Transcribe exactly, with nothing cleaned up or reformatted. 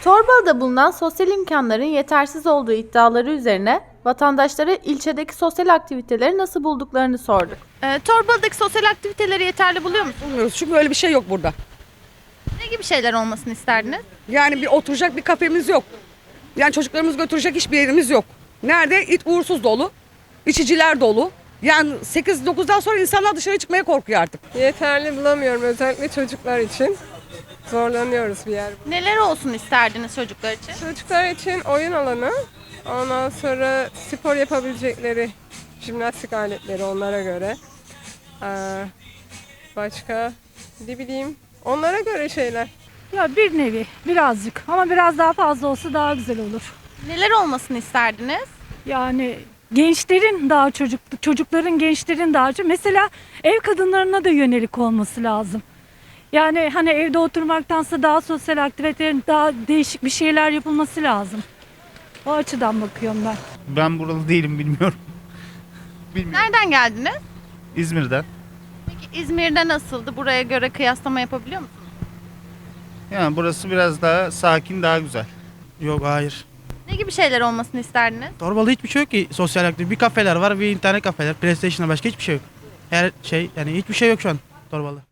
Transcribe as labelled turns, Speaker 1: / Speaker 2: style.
Speaker 1: Torbalı'da bulunan sosyal imkanların yetersiz olduğu iddiaları üzerine vatandaşlara ilçedeki sosyal aktiviteleri nasıl bulduklarını sorduk. Ee, Torbalı'daki sosyal aktiviteleri yeterli buluyor musunuz?
Speaker 2: Bulmuyoruz çünkü öyle bir şey yok burada.
Speaker 1: Ne gibi şeyler olmasını isterdiniz?
Speaker 2: Yani bir oturacak bir kafemiz yok. Yani çocuklarımızı götürecek hiçbir yerimiz yok. Nerede? İt uğursuz dolu. İçiciler dolu. Yani sekiz dokuzdan sonra insanlar dışarı çıkmaya korkuyor artık.
Speaker 3: Yeterli bulamıyorum özellikle çocuklar için. Zorlanıyoruz bir yer.
Speaker 1: Neler olsun isterdiniz çocuklar için?
Speaker 3: Çocuklar için oyun alanı, ondan sonra spor yapabilecekleri jimnastik aletleri onlara göre. Ee, başka ne bileyim onlara göre şeyler.
Speaker 4: Ya bir nevi birazcık ama biraz daha fazla olsa daha güzel olur.
Speaker 1: Neler olmasını isterdiniz?
Speaker 4: Yani gençlerin daha çocuk çocukların gençlerin daha çok mesela ev kadınlarına da yönelik olması lazım. Yani hani evde oturmaktansa daha sosyal aktivitelerin daha değişik bir şeyler yapılması lazım. O açıdan bakıyorum ben.
Speaker 5: Ben buralı değilim, bilmiyorum. Bilmiyorum.
Speaker 1: Nereden geldiniz?
Speaker 5: İzmir'den.
Speaker 1: Peki İzmir'de nasıldı? Buraya göre kıyaslama yapabiliyor musunuz?
Speaker 5: Yani burası biraz daha sakin, daha güzel.
Speaker 6: Yok, hayır.
Speaker 1: Ne gibi şeyler olmasını isterdiniz?
Speaker 6: Torbalı'da hiçbir şey yok ki sosyal aktivite. Bir kafeler var, bir internet kafeler, PlayStation'da başka hiçbir şey yok. Her şey yani hiçbir şey yok şu an Torbalı.